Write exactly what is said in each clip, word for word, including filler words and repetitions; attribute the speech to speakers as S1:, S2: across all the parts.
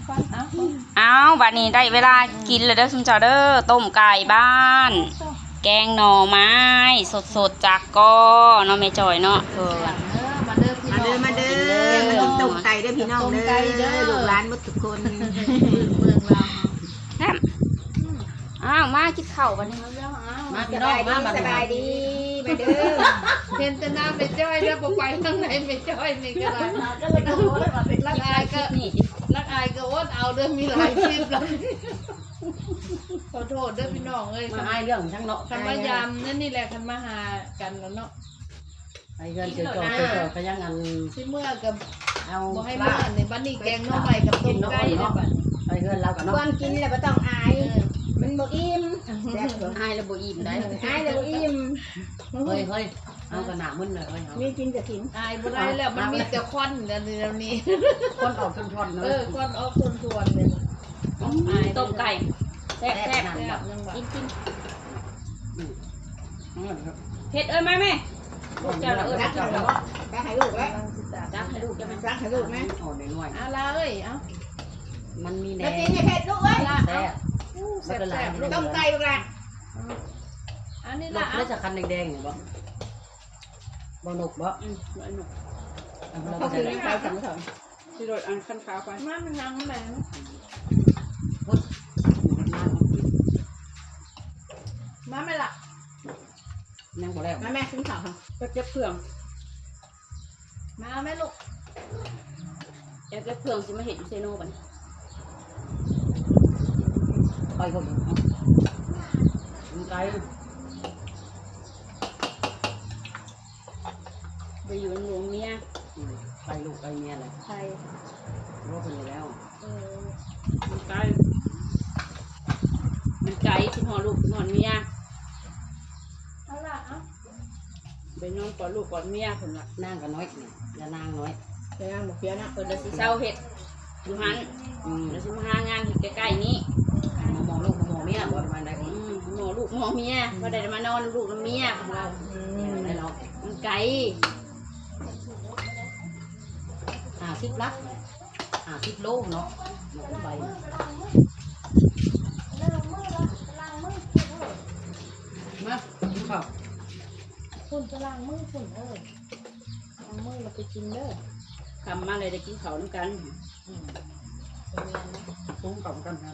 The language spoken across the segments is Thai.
S1: เอาบัดนี้ได้เวลากินแล้วเด้อซุมเจ้าเด้อต้มไก่บ้านแกงหน่อไม้สดๆจากกอเนาะแม่จอยเนาะเพิ่น
S2: มาเด้อมาเด้อมาเด้อมากินต้มไก่เด้อพี่น้องเด้อลูกหลานหมดทุกคนเมืองเรา
S1: อ้าวมากินข้าวบัดนี้
S2: มาพี่น้องมาสบายดีมาเด้อ
S3: เห็นแต่น้ำไปจ้อยแล้วไปข้างในไปจ้อยนี่ก็ได้ก็เลยก็โอ้ยมาเป็นรักอายก็รักอายก็อดเอาเด้อมีหลายคลิปแล้วขอโทษเด้อพี่น้องเอ้ย
S4: มาให้เรื่องทั้งเนาะ
S3: คันมายามนั่นนี่แหละคันมาหากันแล้วเนาะ
S4: ไอ้เรื่องเจอจอเจอจอก็ยังอัน
S3: ที่เมื่อกับ
S4: เอา
S3: บ่ให้เมื่อในบ้านนี้แกงน้องใหม่กับต้มไก่เนาะ
S4: ไอ้เรื่องเรากับเนาะ
S2: ก่อนกินแล้วบ่ต้องอายมันบ่อิ่มแซ่บบ่
S1: อายแล้วบ่อิ่มได้
S2: อายแล้วบ่อิ่ม
S4: เฮ้ยเฮ้ยเอากระหน่ำมึนเลยเฮ้ยเอา
S2: มีกินก็กิน
S3: อายบ่ได้แล้วมันมีแต่ควันเดี๋ยวนี้
S4: คนออกชนชนเล
S3: เอย อควันออกส่วนๆเลย
S1: ต้มไก่แซ่บ
S3: แซ่บยังว่า
S1: กินกินเผ็ดเอ้ยมาแม่ลูกเจ้าเอ้ย
S2: รักเขาบ่ไปให้ลูกไว้
S1: จักให้ลูกจะมา
S2: รักให้ลูกไหม
S4: อ่อนหน่อย
S3: อาลาเอ้ยเอ้า
S4: มันมีแด
S2: แล้ว
S4: ง
S2: กินให้เผ็ดลูกเอ้ย
S4: แซ่บ
S3: แซ่บๆลูก
S2: ต้มไก่ลูกหลาน
S3: อันนี้
S4: ร
S3: ละ
S4: ถแล้วจะคันแดงๆเนี่ยบ่บ่นกบ่
S1: อืมไอ้หนู
S2: เขาคือยังไปสั่งสอน
S1: ที่รถอันขั้นขาวไป
S3: มามันนั่งแม่มาไม่ละ
S4: ยังบ่แล้ว
S2: มาแม่ซื้อข้าว
S1: ก็เก็บเพื่อง
S3: มาแม่ลูก
S1: อยากเก็บเพื่องสิมาเห็นเซโน่บัด
S4: ไปคนมันไกล
S1: ไปอยู่หลวงเมีย
S4: ไปลูกไปเมียเลย
S3: ใคร
S4: รู้คนอยู่แล้ว
S3: เออ
S1: มันไกลมันไกลคิดหอลูกคิดหอเมีย
S3: เอาละเอ้า
S1: ไปนอนกอดลูกกอดเมียเพิ่นว่า
S4: นั่งกันน้อยอย่านางน้อย
S2: ไปนั่งหมกเพี้ยนะ
S1: เพิ่นเลยสิเศร้าเฮ็ดอยู่หัน
S4: อืม
S1: แล้วสิมาหางานเฮ็ดใกล้ๆนี้
S4: มองลูกมองเมียบ่ประมาณใด
S1: อืมหมอลูกหมอเมียบ่ได้มานอนลูกกับเมียของเรา
S4: ได้เนาะ
S1: มันไกล
S4: ห้าสิบลักห้าสิบโลเนาะใบมาข้าว
S3: ฝุ่นจะล้างมือฝุ่นเออล้างมือเราไปกินเด้อ
S1: คำมาเลยได้กินข้าวนํกัน
S4: ตุ้งกับกันนะ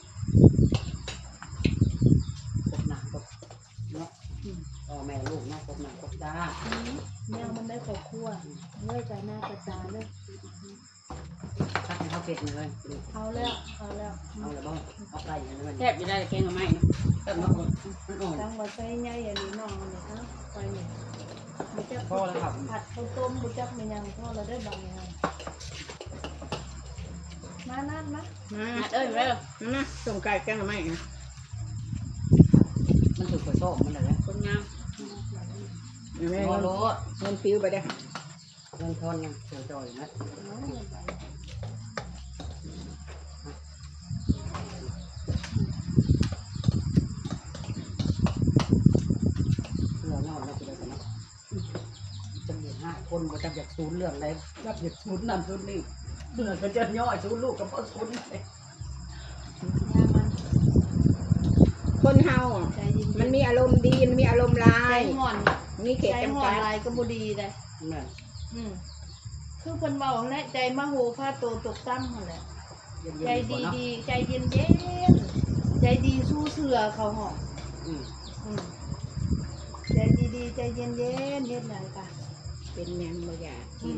S4: กบหนักกบเนาะพ่อแม่ลูกเนาะกบหนักกบตา
S3: แมวมันได้ขอบครัวเมื่อใจหน้ากระจาเลย
S4: ทักให้เขาเป็ดเลย
S3: เอาแล้วเอาแล้ว
S4: เอาเลยบ้างเอาไก่เลย
S1: แทบจะได้แกงกับไม้เนาะ
S4: แต่เนาะมันอ่อน
S3: ตั้งว่าใส่ใหญ่อย่างนี้น้องเนี่ยเอ้าไปเนี่ยบุจัก
S4: พ่อแล้วครับ
S3: ผัดข้าวต้มบุจักไม่ยังพ่อเราได้บางยังมานั่นมา
S2: มา
S1: นัดเอ้ยมาเด้อ
S2: มาต้มไก่แกงหน่อไม้นะ
S4: มันถูกกระโซกมันเลย
S1: คนงาม
S2: แม่
S4: โล
S2: เงิน
S4: โล
S2: เงินปิ้วไปเด้อ
S4: เงินทอนยังจ่อยๆนะเรื่องนอกแล้วกูได้กันเนาะจะมีห้าคนก็จะอยากซูนเรื่องอะไรรับอยากซูนนั่นซูนนี่เมื่อก็จะย่อยซูนลูกกับพ่อซูนเลย
S2: คนเฮา
S3: ใจเย็น
S2: มันมีอารมณ์ดีมันมีอารมณ์ร้า
S3: ใจ
S2: ย
S3: ห่อน
S2: มีเขต
S3: ใจ
S2: จำ
S3: ห่อ
S2: กัน ด
S3: ลายก็บุดีเลย
S4: เนี่ย
S3: อืมคือคนเบาและใจมโหพาโตตกตั้งนั่นแหละ
S4: เย็น
S3: ใจ
S4: ๆ
S3: ดี
S4: ก่อนเนาะ
S3: ดีใจเย็นเย็นใจดีสู้เสือเขาหอก
S4: อืม
S3: อืมใจดีดีใจเย็นเย็นเฮ็ดไหนกะ
S2: เป็นหยังบ่อยากกิน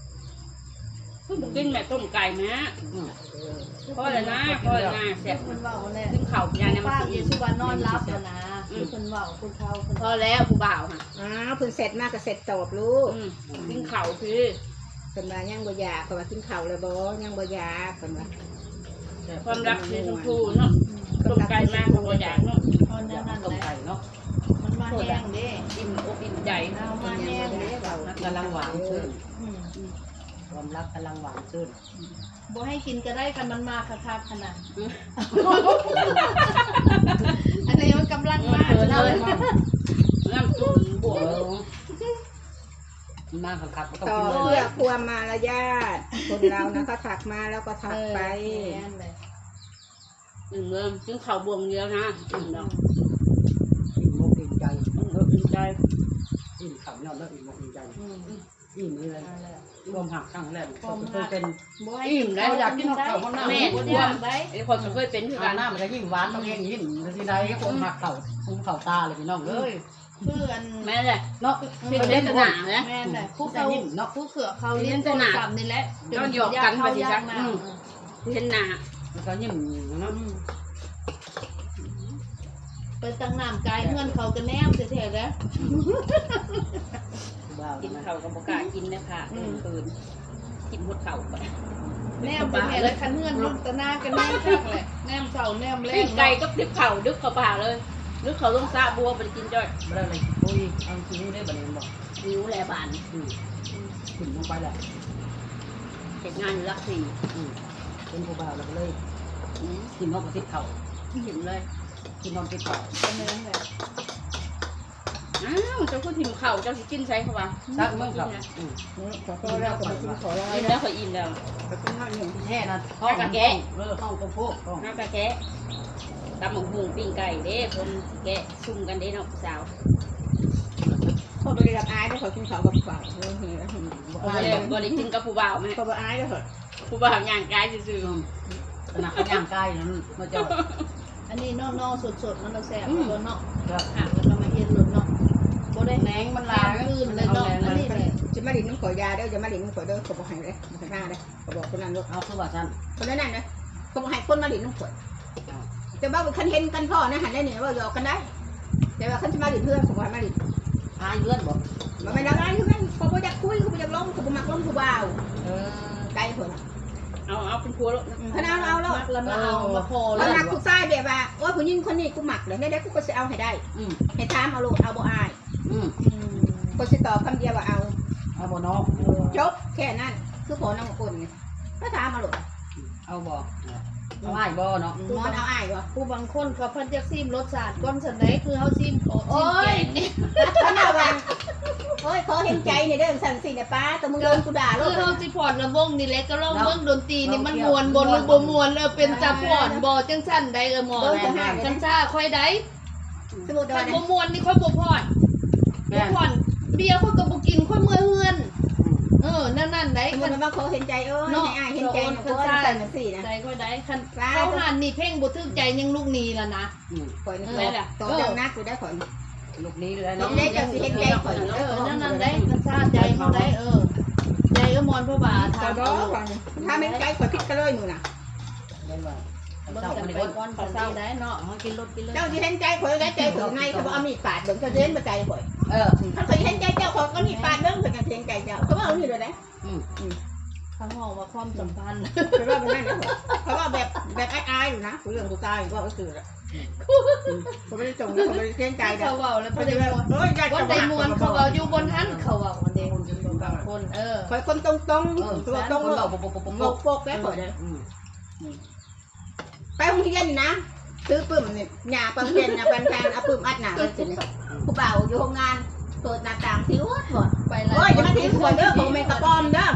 S1: กินแม่ต้มไก่นะ
S4: อืม
S1: พอแล้วนะพอแล้วนะแซ่บ
S3: คนเบาเนี่ย
S1: กินข้าวยาเนี่ยมัน
S3: ป้า
S1: สิ
S3: เย
S1: อิ่ม
S3: ซูวานอนรับแล้วนะคนเบาคนเฒ่าคน
S1: พอแล้วผู้บ่าวค่ะ
S2: อ้าวเพิ่นเสร็จมากก็เสร็จตอบลูก
S1: อืมกินข้าวคือ
S2: เพิ่นว่ายังบ่อยากเพิ่นว่ากินข้าวแล้วบ่ยังบ่อยากเพิ่นว่า
S1: ความรักในชมพูเนาะต้มไก่มากของบ่อยากเนาะ
S3: ตอนนั้นนั่น
S4: ต้ม
S3: แหละ
S4: ไก่เนาะ
S3: มันมาแห้งเด้
S1: อิ่มอกอิ่มใจ
S3: เอามาแห้งเด้เบา
S4: รักกำลังหวานชื่น
S3: อืม
S4: ความรักกำลังหวานชื่น
S3: บ่ให้กินก็ได้กันมันมาคักๆขนาดอันนี้มันกำลังมา
S1: เออเลยน้ำจุ่มบวก
S4: เออมากครับก็ต้อง
S2: ต่อ
S4: กินเล
S2: เพื่
S4: ย
S2: อความมารยาทคนเรานะเขาถักมาแล้วก็ถักไป
S1: หนึ่งเริ่มจึงเข่าบวงเดียวนะอืมเนาะ
S4: อิ่มอกอิ่มใจ
S1: ต้องเออเป็นใจ
S4: อิ่มขับยอดแล้วอิ่มอกอิ่มใจอิ่มนี่เลยรวมหักครั้งแรกก็คือเป็น
S1: อิ่มได้
S4: เราอยากกินข้าวข้าวหน้า
S1: แม่
S4: แม่
S1: รวมไอ้คนมันเคยเป็นคือ
S4: ข้า
S1: กั
S4: วน หน้ามันจะยิ่งหวานต้องเองยิ่งทีใดคนหักเข่าคุ้มเข่าตาเลยพี่น้องเลย
S3: เพื่อน
S1: แม่เลย
S4: เนาะ
S1: เป็นเล่นสนามนะ
S3: แม่นแหละผู้เขาผู้เขือเขาเลี้ยงโทรศัพท์นี่แหละ
S1: ก็หยอกกันไปสิจ๊ะ
S3: นะ
S1: อืม เห็นหนา
S4: แล้วก็ยิ่งเนาะ
S3: ไปตั้งน้ำกายเงินเขาก็แนมเสียๆแล้ว
S4: ว้าว
S1: กินเข่ากับบกล้ากินนะคะเดินคืนกินหมดเข่าไป
S3: แนมเป็นไงแล้วคันเงินรุ่นตะนากันแนมจักแหละแนมเสาแนมแร
S1: ปิ้
S3: ง
S1: งไก่ก็ติบเข่าดึกเข้าปากเลยดึกเขาต้องซาบัวไปกินจ้อย
S4: ไม่ได้เลยโอ้ยเอาจริงได้บันเองบอก
S1: นิ้วแลบาน
S4: อืมขึ้นลงไปแหละ
S1: เห็นงานอยู่รักสี่
S4: อืมเป็นผู้บ่าวเราก็เลย
S1: อืม
S4: กินนอกกระติบเข่า
S1: เห็นเลย
S4: กินนอกติดเข่า
S3: กันนั่นแหละ
S1: อ้าวเจ้าก็ถิ่มเข่าเจ้าสิกินใช้เขาว่า
S4: ซักเมื่อเข่าอืม
S2: ขอโทษแล้วขอกินขอลา
S1: อิ่มแล้วเขาอิ่มแล้ว
S2: ขอกินข้าวเหนียว
S4: แค่นั้นห้องแกะเออห้องตะโพกห้อง
S1: น้ำกะแกะตำหมกหุงปิ้งไก่เด้คนแกะซุ่มกันเด้เนาะสาว
S2: เขาไปเรียกอายได้ขอกินข้าวกับฝ่ายเฮ้ย
S1: บ่ได้บ่ได้กินกับผู้บ่าวแม่
S2: เขาบอกอายได้เหรอ
S1: ผู้บ่าวย่างกายซื่อ
S4: ขนาดเขาย่างกายนั้นมาเจาะ
S3: อันนี้นอกๆสดๆมันเราแซ่บรถเนาะ
S4: ก็
S3: หักแล้วก็มาเฮ็ดรถเนาะบ่ได้แหนงมันลางคืนเลยเนาะอันนี้แหละ
S2: จะมาดินน้ำข่อยยาเด้อจะมาดินน้ำข่อยเด้อเขาบอกให้เลยมาหน้าเลยเขาบอกคนนั้นว่า
S4: เอาคือว่าฉัน
S2: คนนั้นนะเขาบอกให้คนมาดินน้ำข่อยแต่ว่าคันเห็นกันพ่อนะหันได้เนี่ยว่าหยอกกันได้ แต่ว่าคันจะมาดินเพื่อนเขาบอกมาดิน
S4: อายเลื่อนบอก
S2: มาไม่ได้ไรทุกนั้นเขาบอกอยากคุยเขาบอกอยากล้มเขาบอกมักล้มเขาบ่าว
S4: เออ
S2: ไกลคน
S1: ๆเอาเอาเป็นพัวแล้ว
S2: ขนาดเอาแล้ว
S3: มักแล้วมาเอามาพอ
S2: เรา
S3: แล้ว
S2: หนักกูใส่แบบว่าโอ้ยผู้หญิงคนนี้กูหมักเลยได้ได้กูก็จะเอาให้ได้
S4: อืม
S2: ให้ถามเอาโลดเอาบ่อาย
S4: อืม
S2: ก็จะตอบคำเดียวว่าเอา
S4: เอาบ่น้อง
S2: จบแค่นั้นคือผลน้องคนไงก็ถามเอาโลด
S4: เอาบ่เอาอ้ายบ่เนาะ
S2: มอนเอาอายบ่
S3: ผู้บางคนเขาเพิ่นจะซิมรสชาติก้อนสันไดคือเฮาซิมโอ้
S2: โอ้
S3: ย
S2: ยขนาดว่าโอ้ยขอเห็นใจเนี่ยเด้อสั่นสิเนี่ยป้าแต่มึงโดนกูด่าโล
S3: คื
S2: ด
S3: อเฮาสิพอดระวงนี่แหละก็ลองเบิ่งดนตรีนี่มันม่วนบ่หรือบ่ม่วนเออเป็นตาพอดบ่จังซั่นใดเออหมอจังซ่าค่อยได้
S2: สมมุติ
S3: คั
S2: ว่าน
S3: บ่ม่วนนี่ค่อยบ่พอด
S4: แม่
S3: บ่พอดเบียร์ค่อยก็บ่กินค่อยเมื่อยเฮือนเออนั่นนั่นได้
S2: สมม
S3: คัน
S2: ติว่าเขาเห็นใจเอ้ยให้อายเห็นใจนะกูสั่นสินะ
S3: ใจค่อยได้คันเขาหันนี่เพ่งบ่ถึกใจยังลูกนี้ล่ะนะ
S4: อืม
S2: ข่อยนี่ต่อจังนักกูได้ข่อย
S4: ลูกนี้เลย
S2: เห็
S4: เนาะ
S2: นได้จังสิเห็นใจข่อย
S3: เออนั่นนั่นได้คันซ่าใจเขาได้เออใจก็มอนพระบาท
S2: ต่อ
S3: ทำ
S2: ดอ
S3: เอา
S2: กถ้าไม่ใจข่อยพิษก็เลยหนูน่ะ
S4: ได้ว่า
S3: เบิ่ง
S4: เจ้า
S3: กั
S4: คน น
S3: ไป
S4: นี้
S3: ก่อนภาษาได้เนาะ
S4: เอากินรถกินเลย
S2: เจ้าที่เห็นใจข่อยได้ใจข่อยในเขาบอกเอามีดปาดเบิ่งเขาเห็นบ่ใจข่อย
S4: เออ
S2: ถ้าข่อยเห็นใจเจ้าข่อยก็มีดปาดเบิ่งเพิ่นก็เห็นใจเจ้าเขาบอกเอานี่เลยนะ
S4: อืม
S3: เขาห้องว่าความสัมพันธ์
S2: เขาว่าเป็นนั่นนะเขาว่าแบบแบบอายๆอยู่นะเรื่องกูตายว่าก็คือละเขาไม่ได้จงเขาไม่ได้เห็นใจ
S3: เขา
S2: เด้อ
S3: เว้าแล้ว
S2: เขา
S3: เพิ่น
S2: จะ
S3: ได้
S2: ว่าโอ้ยใจ
S3: ว่า
S2: จะ
S3: ได้
S2: มาม
S3: วนเขาเว้าอยู่บนหันเขาเว้าอันเด้บางคนเออ
S2: ข่อยคนตรงๆตัวตรง
S4: คน
S2: ๆ
S4: เราปกปกปก
S2: งกโปกแป๊บข่อยเลย
S4: อืม
S2: ไปโรงเรียนนี่นะซื้อปึ้มเนี่ยหญ้าปังเรียนนะปันแทนเอาปึ้มอัดหนาเลยสิผู้บ่าวอยู่โรงงานเปิดหน้าต่างทิ้วหมด
S3: ไปแล้ว
S2: โอ้ยอย่ามาทิ้งข่อยเด้อผมเป็นกระปอมเด้อบ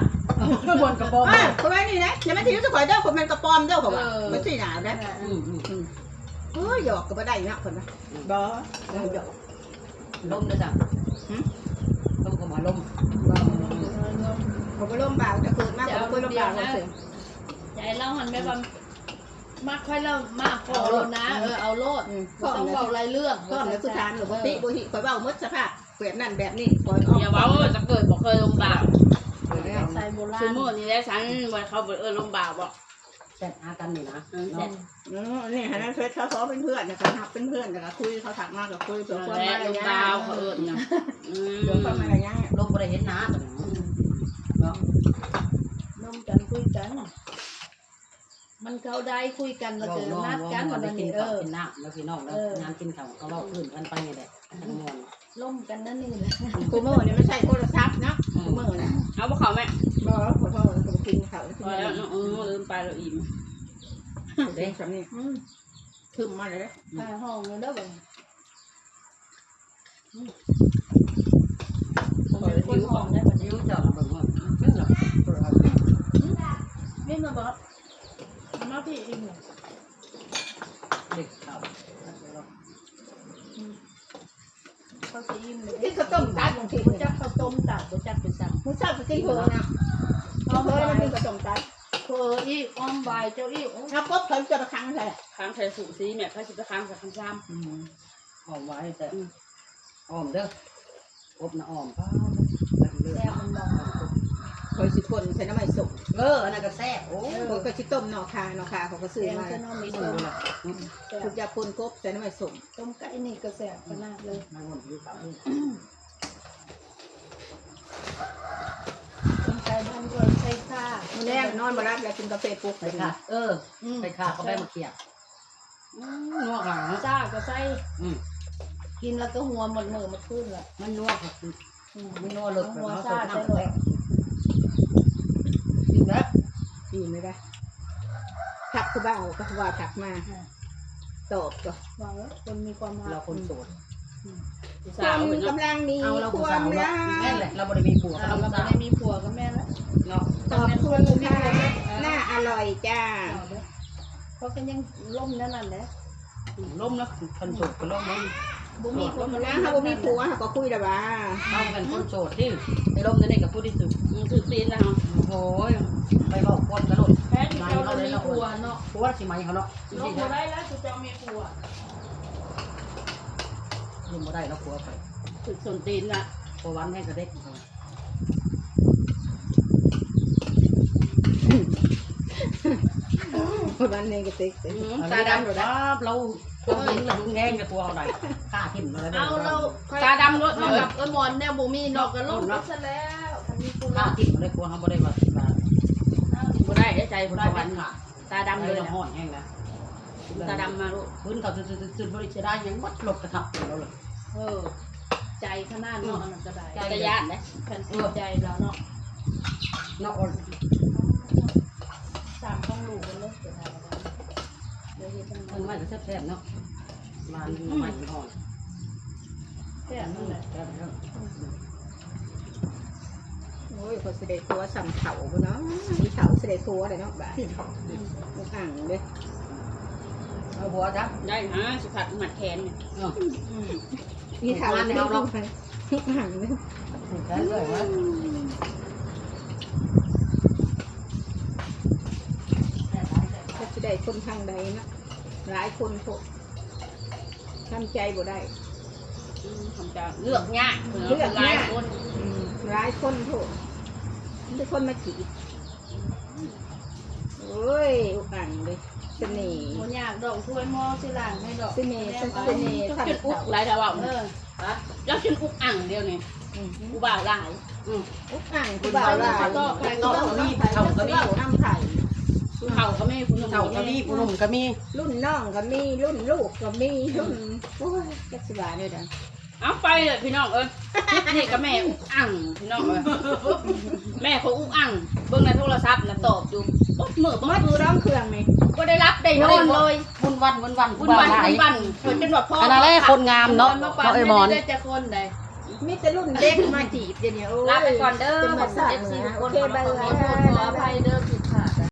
S4: นกระบอก
S2: อ่าข่อยนี่นะอย่ามาทิ้งข่อยเด้อผมเป็นกระปอมเด้อผมว่าไม่ใช่หนาวนะ
S4: อืมอืมอืม
S2: เฮ้ยหยอกก็ไม่ได้นะคนนะบ่หยอก
S4: ลมนะจ๊ะลมก็มาลม
S2: ผมไปร่มบ่าวจะเกิดมากผมไปร่มบ่าวเลยสิ
S3: ใจเราหันไปว่ามักค่อยเรามากพอแล้วนะเออเอาโลด
S2: ก็
S3: ต้องเว้ารายเรื่อง
S2: ก็แล้วคือทานหรือปกติบุหิข่อยเบาหมดสภาพเปลี่ยนนั่นแบบนี้ข่อยออก
S1: อย่าเว้าจะเกิดบ่เคยลงบ่าว
S3: ใส่โบรา
S1: ซู
S3: ณ
S1: โม่นี่แหละฉันบ่เขาบ่เออลงบ่าวบ่
S4: แซ่บอากันนี่นะ
S1: เออเสร็จ
S2: อืมนี่ฮะนั่นเฟซเขาเขาเป็นเพื่อนนะคะทักเป็นเพื่อนแต่ก็คุยเขาถักมากกับคุยเผื่อความ
S1: และ
S2: อะไร
S1: ลง
S2: เงี้ย
S1: บ่าวเขาเอิ้นนะอื
S2: เผื่อความ
S1: ม
S2: อะไรเงี้ย
S4: ลมบ่ได้เห็นน้าเนาะ
S3: น้องกันคุยกัน มันเขาได้คุยกันแล้ว
S4: เรา
S3: เจอ
S4: น้อง
S3: นัดกัน
S4: ว่า
S3: วัน
S4: ได้กิน
S3: นี้เอ
S4: ข้าว
S3: อ
S4: กินน้ำแล้วพี่น้องแล้วงานกินข้าวเขาเล่าอื่นกันไปนี่แหละทั้งมวล
S3: ล่มกันนั่นนี่แหละ
S2: กูเมื่อเนี่ยไม่ใช่โทรศัพท์นะกูเมื่อเนี่ย
S1: เอาบ่เข้าแม่
S2: บอกขอโทษกูกินเขา
S1: พอแล้วเนาะเออลืมไปแล้วอิ่ม
S2: เด็กสำนี
S3: อืม
S2: ถึงมาเลย
S3: ไปห้องเลยเด้อบ่
S2: ผม
S3: คนหอมได้แบบนี้
S4: ยิ้วจับเบิ่งว่าเป็นหรอ
S3: นี่มาบอกมาพี่อินเนี่ย
S4: เด็กเขา
S3: เขาจะอิ่มเลย
S2: ที่ข้าวต้มตัดบางที
S3: บุจักข้าวต้มตัดบุจักเป็นสั่ง
S2: มึงชอบกินเผือกนะ
S3: อ้อม
S2: เผือก
S3: ใบ
S2: มันเป็นข้าวต้มตัด
S3: เพออีกอ้อมใบเจ้าอีก
S2: เอากบเขาจะมาค้างใส่
S1: ค้างใส่สูตรซีแม่เขาสิไปค้างใส่คำซ้
S4: อืมหอมไว้แต่หอมเด้ออบนะหอมป้าเลือ
S3: แซ่บมันบอก
S2: คอยสิคนใส่น้ำมันสุก
S4: เอออันนั้นก็แซ่บโอ้
S2: เขาก็ชิต้มหน่อคาหน่อคาเขาก็ซื้อ
S3: แซ่บ
S2: มา
S3: จะน้องมี
S4: ไม่
S3: ต้
S4: รู้
S3: ม
S4: ละ
S2: ทุกอย่างปนกบใส่น้ำมันสุก
S3: ต้มไก่นี่ก็แซ่บขนาดเลย
S4: นางคนอยู่กับ
S3: ต้มไก่บ้านก็ใช้ข้า
S2: มื้อแรกนอนมารับแล้วกินกาแฟปุ๊บ
S4: ใส่ขาเออใส่ขาเขาไปมาเคี่ยวนัวหลัง
S3: จ้าก็ใส่
S4: อืม
S3: กินแล้วก็หัวหมดมือหมดขึ้นละ
S4: มันนัวค่ะมันนัวเลย
S3: หัว
S4: เขา
S3: ซา
S4: สด
S3: ใส่
S4: น้ำ
S3: เลย
S4: จริงแล้ว
S2: กินไม่ได้ถักคือบ้าก็ว่าถักมาตอบก็
S3: ว่าคนมีความ
S4: เราคนโสด
S1: ำ
S2: ค
S1: สาว
S2: วาม
S1: เพิ่นเนาะ
S2: กำลังมี
S4: เอาเรา
S2: ค
S4: ผู้
S2: วา
S4: สาม ว
S2: รั
S4: เนาะ
S2: ก
S4: แม่นแหละเราบ่ได้มีผัว
S3: เรา
S4: เรา
S3: ไม่
S4: สาว
S3: ได้มีผัวกับแม่แล้ว
S4: เนาะ
S2: ขอบคุณค่ะน่าอร่อยจ้า
S3: เขาก็ยังล่มนั่นแหละ
S4: ล้มแล้วคนโสดก็ล้มแล้ว
S3: บุมีคนมา
S2: นะเขาบ่มีผัวเขาก็คุยแต่ว่า
S4: เอากันคนโสดที่ไปล้มนั่นเองกับผู้ที่สุด
S1: มันถือตีนแล้ว
S4: โอ้ยไปบอกความกระโดด
S3: แพ้ที่เรามีผัวเนาะ
S4: ผัวสิไหมเขาเนาะจ
S3: ล
S4: ริ
S3: ง
S4: งๆ
S3: มา
S4: นะ
S3: ได้แล้วจะมีผัว
S4: ยืมมาได้แล้วผัวไป
S1: ถือส่วนตีนน่ะ
S4: พอวันให้กระเด็กเขา
S2: คนนั้นเองก็ติ๊ก
S4: ตาดำครับเราเรายิงเราแง่งกับตัวเราไหนฆ่าทิ่มอะไร
S3: เอาเรา
S1: ตาดำรถ
S3: มา
S1: มา
S3: กับเออมอนเนี่ยบุมีนอกกันล่มซะแล้วมีผัว
S4: ฆ่าทิ่มอะไรกลัวเขาไม่ได้มามา
S1: บ่ได้ได้ใจบ่
S4: ได้
S1: ได้
S4: วั
S1: วัน น
S4: ค่ะ
S1: ตาดำเลย
S4: เรา
S1: น่ะ
S4: ห่อนแห้งนะ
S1: ตาดำมาลูก
S4: พื้นเขาตื่นตื่นตื่นบริจาคยังมัดหลบกระทับเราเลย
S3: เออใจขนาดเนาะอันนั้นก็ได้
S1: ใจยานเด้
S3: แผ่นใจเราเนาะ
S4: เนาะ
S3: สามต้องลูกกันเลยจะทำอะไรเดี๋ยวเฮ็ดจัง
S4: มันไม่ก็แซ่บๆเนาะมาใหม่ห่อน
S3: แค่นั้นแหละ
S4: แซ่บแล้ว
S2: โอ้ยคนเสด็จผัวสั่งเขาเนาะมีเขาเสด็จผัวเลยเนาะบ้าอ่างเลย
S4: เอาหัวจ้ะ
S1: ได้ฮะสิผัดหมัดแขนเนี่ย
S4: เนาะ
S2: มีเขาเลยเนาะอ่างเลย
S4: ถูกแล้วเลยวะ
S2: ถ้าจะได้คนทางใดนะหลายคนพวกทำใจบ่ได้
S1: อืมทำจะเลือกยากเลือกหลายคน
S2: หลายคนพวกมีคนมาจีบโอ้ยอ่างเลยเสน่ห์
S3: โมยากดอกถ้วยหม้อสิล่างให้ดอก
S2: เสน่ห์เสน่ห์
S1: จนอุกหลายดาวเอา
S3: เออ
S1: ฮะแล้วจนอุกอ่างเดียวนี่กูบ่าวหลาย
S2: อุ๊กอ่างคือบ่าวลาย
S3: ก็ไป
S2: ก็
S3: ก็
S2: น้ำไผ่เขาก็มีน้ำไผ่
S1: ผู้เฒ่าก็ไม่ผู้หนุ่ม
S4: เท่าก็มีผู้หนุ่มก็มี
S2: รุ่นน้องก็มีรุ่นลูกก็มีรุ่นโอ้ยจักสิบาเนี่ยดัง
S1: เอาไปเลยพี่น้องเอ้ยนี่ก็แม่อุกอ่างพี่น้องเอ้ยแม่เขาอุกอ่างเบิ่งในโทรศัพท์น่ะตอบอยู่บ่มือบ่
S2: มัด
S1: คื
S2: มื
S1: อ
S2: อร้องเครื่องไหม
S1: บ่ได้รับได้นอนเลย
S4: บุญวันบุญวัน
S1: บุญวันบุญวันเพิ่นเป็นว่าพ่อ
S4: อันนั้นแหละคนงามเนาะ
S3: มาปั่
S4: เนาะไอ้หมอน
S3: ได้จะคนใด
S2: มีแต่รุ่นเด็กมาจีบเดี๋ยวนี้โอ้ย
S1: ลาไปก่อนเด้อ
S2: เป็น
S1: ข
S2: มา
S1: อบคุณ
S2: สั่
S1: เอฟซี
S2: นะ
S1: ทุกค
S2: โอน เค
S1: ขอบ
S2: บาย
S1: คุณ
S3: ขอโทษขออภัยเด้อพี่